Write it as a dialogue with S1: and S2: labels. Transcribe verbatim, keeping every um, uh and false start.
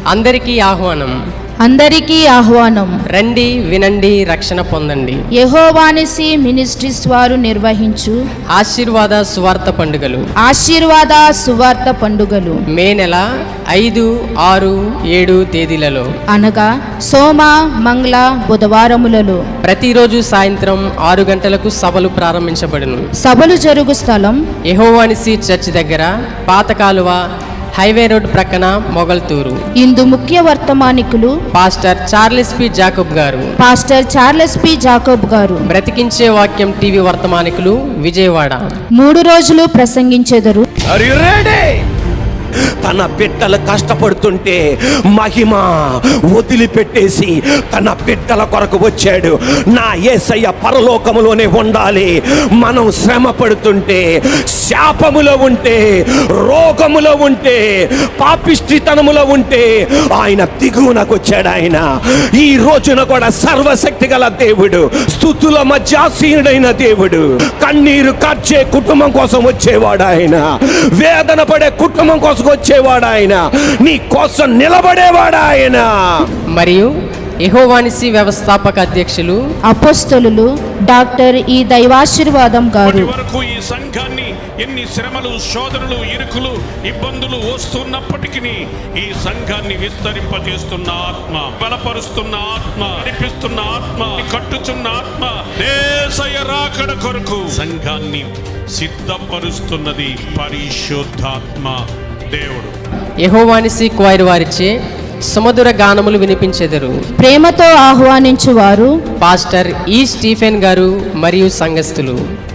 S1: అందరికీ ఆహ్వానం.
S2: అందరికీ ఆహ్వానం.
S1: రండి, వినండి, రక్షణ పొందండి.
S2: యెహోవానిసి మినిస్ట్రీస్ వారు నిర్వహించు
S1: ఆశీర్వాద సువార్త పండుగలు.
S2: ఆశీర్వాద సువార్త పండుగలు
S1: మే నెల ఐదు, ఆరు, ఏడు తేదీలలో
S2: అనగా సోమ, మంగళ, బుధవారములలో
S1: ప్రతిరోజు సాయంత్రం ఆరు గంటలకు సభలు ప్రారంభించబడును.
S2: సభలు జరుగు స్థలం
S1: యెహోవానిసి చర్చ్ దగ్గర, పాత కాలువ, హైవే రోడ్ ప్రక్కన, మొగల్తూరు.
S2: ఇందు ముఖ్య వర్తమానికులు
S1: పాస్టర్ చార్లెస్ పి జాకబ్ గారు.
S2: పాస్టర్ చార్లెస్ పి జాకబ్ గారు.
S1: బ్రతికించే వాక్యం టీవీ వర్తమానికులు, విజయవాడ.
S2: మూడు రోజులు ప్రసంగించెదరు.
S3: తన బిడ్డలు కష్టపడుతుంటే మహిమ వదిలిపెట్టేసి తన బిడ్డల కొరకు వచ్చాడు. నా యేసయ్య పరలోకములోనే ఉండాలి. మనం శ్రమ పడుతుంటే, శాపములో ఉంటే, రోగములో ఉంటే, పాపిష్టితనములో ఉంటే ఆయన దిగువనకు వచ్చాడు. ఆయన ఈ రోజున కూడా సర్వశక్తి గల దేవుడు, స్తుతుల మధ్య ఆసీనుడైన దేవుడు. కన్నీరు కార్చే కుటుంబం కోసం వచ్చేవాడు ఆయన. వేదన పడే కుటుంబం కోసం వచ్చేవాడు ఆయన. నీ కోసం నిలబడేవాడు ఆయన.
S1: మరియు యెహోవానిసి వ్యవస్థాపక అధ్యక్షులు
S2: అపోస్తలులు డాక్టర్ ఈ దైవాశీర్వాదం గారు.
S4: వరకు ఈ సంఘాన్ని ఎన్ని శ్రమలు, శోధనలు, ఇరుకులు, ఇబ్బందులు వస్తున్నప్పటికీ ఈ సంఘాన్ని విస్తరింపజేస్తున్న ఆత్మ, బలపరుస్తున్న ఆత్మ, నడిపిస్తున్న ఆత్మ, కట్టుచున్న ఆత్మ, యేసయ్య రాకడ కొరకు సంఘాన్ని సిద్ధపరుస్తున్నది పరిశుద్ధాత్మ దేవుడు.
S1: యెహోవానిసి క్వైర్ వారిచే సుమధుర గానములు వినిపించెదరు.
S2: ప్రేమతో ఆహ్వానించువారు
S1: పాస్టర్ ఈ స్టీఫెన్ గారు మరియు సంఘస్థులు.